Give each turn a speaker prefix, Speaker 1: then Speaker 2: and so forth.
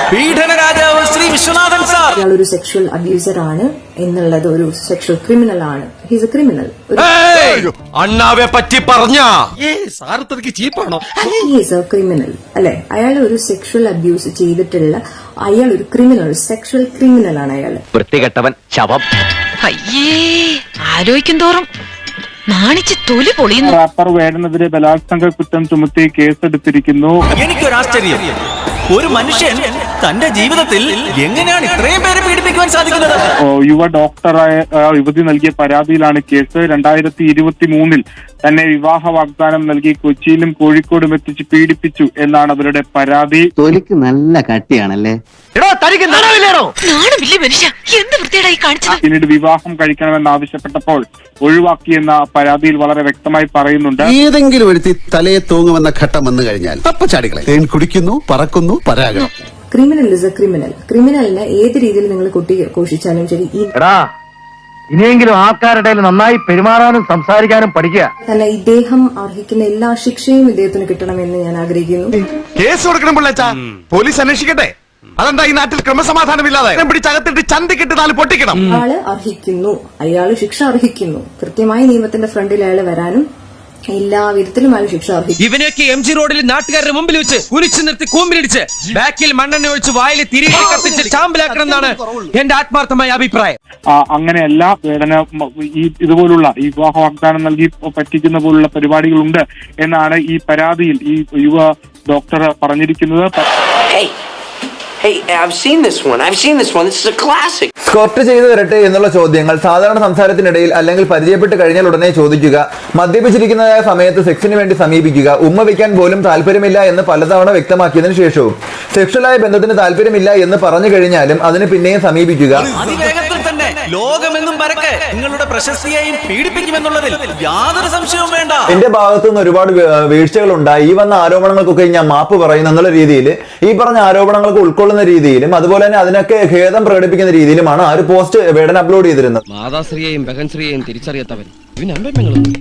Speaker 1: പീഡന രാജാവ് ശ്രീ വിശ്വനാഥൻ സാർ.
Speaker 2: ഇയാൾ ഒരു സെക്ഷൽ അബ്യൂസർ ആണ് എന്നുള്ളത്, ഒരു സെക്ഷൽ ക്രിമിനൽ ആണ്. He's a criminal.
Speaker 1: അണ്ണാവെ പറ്റി പറഞ്ഞ
Speaker 2: ചീപ്പാണോ? ഹിസ് എ ക്രിമിനൽ അല്ലെ? അയാൾ ഒരു സെക്ഷൽ അബ്യൂസ് ചെയ്തിട്ടുള്ള അയാൾ ഒരു ക്രിമിനൽ, സെക്ഷൽ ക്രിമിനൽ ആണ് അയാൾ.
Speaker 3: വൃത്തികെട്ടവൻ, ശവം.
Speaker 4: അയ്യേ, ആലോചിക്കും തോറും നാണിച്ച് തൊലി പൊളിയുന്നു.
Speaker 5: റാപ്പർ വേടനെതിരെ ബലാത്സംഗ കുറ്റം ചുമത്തി കേസെടുത്തിരിക്കുന്നു.
Speaker 1: എനിക്കൊരാശ്ചര്യം, ഒരു മനുഷ്യൻ തന്റെ ജീവിതത്തിൽ എങ്ങനെയാണ് ഇത്രയും പേരെ പീഡിപ്പിക്കുവാൻ സാധിക്കുന്നത്?
Speaker 5: യുവ ഡോക്ടറായ യുവതി നൽകിയ പരാതിയിലാണ് കേസ്. 2023 തന്നെ വിവാഹ വാഗ്ദാനം നൽകി കൊച്ചിയിലും കോഴിക്കോടും എത്തിച്ച് പീഡിപ്പിച്ചു എന്നാണ് അവരുടെ പരാതി.
Speaker 6: തൊലിക്ക് നല്ല കട്ടിയാണല്ലേ?
Speaker 5: പിന്നീട് വിവാഹം കഴിക്കണമെന്നാവശ്യപ്പെട്ടപ്പോൾ ഒഴിവാക്കിയെന്ന പരാതിയിൽ വളരെ വ്യക്തമായി പറയുന്നുണ്ട്.
Speaker 7: ഏതെങ്കിലും ഒരുത്തി തലയെ തൂങ്ങുമെന്ന ഘട്ടം വന്നു കഴിഞ്ഞാൽ അപ്പൊ ചാടികളെ തേൻ കുടിക്കുന്നു, പറക്കുന്നു, പരാഗണം.
Speaker 2: Criminal is a criminal. ക്രിമിനലിനെ ഏത് രീതിയിൽ നിങ്ങൾ കോഷിച്ചാലും ശരി,
Speaker 3: ഇനിയെങ്കിലും ആൾക്കാരുടെ നന്നായി പെരുമാറാനും സംസാരിക്കാനും പഠിക്കുക.
Speaker 2: അല്ല, ഇദ്ദേഹം അർഹിക്കുന്ന എല്ലാ ശിക്ഷയും ഇദ്ദേഹത്തിന് കിട്ടണമെന്ന് ഞാൻ ആഗ്രഹിക്കുന്നു.
Speaker 7: കേസ് കൊടുക്കണം പിള്ളേച്ചാ, പോലീസ് അന്വേഷിക്കട്ടെ. അതെന്താ ഈ നാട്ടിൽ ക്രമസമാധാനമില്ലാതെ പിടിച്ചകത്തിട്ട് ചന്തിക്കിട്ട് 4 പൊട്ടിക്കണം.
Speaker 2: അയാള് അർഹിക്കുന്നു, അയാള് ശിക്ഷ അർഹിക്കുന്നു. കൃത്യമായി നിയമത്തിന്റെ ഫ്രണ്ടിൽ അയാൾ വരാനും എല്ലാ വിധത്തിലും അയാൾ ശിക്ഷ അർഹിക്കും.
Speaker 1: ഇവനൊക്കെ MG റോഡിൽ നാട്ടുകാരുടെ മുമ്പിൽ വെച്ച് കുരിച്ചു നിർത്തി കൂമ്പിലിടിച്ച് ബാക്കിൽ മണ്ണെണ്ണ ഒഴിച്ച് വായിൽ തിരികെ കത്തിച്ച് ചാമ്പലാക്കണം എന്നാണ് എന്റെ ആത്മാർത്ഥമായ അഭിപ്രായം.
Speaker 5: അങ്ങനെയല്ല, വേടന ഇതുപോലുള്ള ഈ വിവാഹ വാഗ്ദാനം നൽകി പറ്റിക്കുന്ന പോലുള്ള പരിപാടികളുണ്ട് എന്നാണ് ഈ പരാതിയിൽ ഈ യുവ ഡോക്ടർ പറഞ്ഞിരിക്കുന്നത്.
Speaker 8: Hey, I've seen this one. This is a classic.
Speaker 9: സ്കോർട്ട് ചെയ്തു തരട്ടെ എന്നുള്ള ചോദ്യങ്ങൾ സാധാരണ സംസാരത്തിനിടയിൽ അല്ലെങ്കിൽ പരിചയപ്പെട്ട് കഴിഞ്ഞാൽ ഉടനെ ചോദിക്കുക, മദ്യപിച്ചിരിക്കുന്നതായ സമയത്ത് സെക്സിന് വേണ്ടി സമീപിക്കുക, ഉമ്മ വയ്ക്കാൻ പോലും താല്പര്യമില്ല എന്ന് പലതവണ വ്യക്തമാക്കിയതിനു ശേഷവും സെക്ഷലായ ബന്ധത്തിന് താല്പര്യമില്ല എന്ന് പറഞ്ഞു കഴിഞ്ഞാലും അതിന് പിന്നെയും സമീപിക്കുക.
Speaker 1: അതിവേഗത്തിൽ തന്നെ ലോകമെന്നും പരക്കെ നിങ്ങളുടെ പ്രശസ്തിയെയും പീഡിപ്പിക്കുമെന്നുള്ളതിൽ യാതൊരു സംശയവും വേണ്ട.
Speaker 9: എന്റെ ഭാഗത്തുനിന്ന് ഒരുപാട് വീഴ്ചകൾ ഉണ്ടായി. ഈ വന്ന ആരോപണങ്ങൾക്കൊക്കെ ഞാൻ മാപ്പ് പറയുന്നു എന്നുള്ള രീതിയിൽ, ഈ പറഞ്ഞ ആരോപണങ്ങൾക്ക് ഉൾക്കൊള്ളുന്ന രീതിയിലും അതുപോലെ തന്നെ അതിനൊക്കെ ഖേദം പ്രകടിപ്പിക്കുന്ന രീതിയിലുമാണ് ആ ഒരു പോസ്റ്റ് വേടൻ അപ്ലോഡ് ചെയ്തിരുന്നത്.
Speaker 3: മാതാശ്രീയെയും ബഹൻശ്രീയെയും തിരിച്ചറിയാത്തവൻ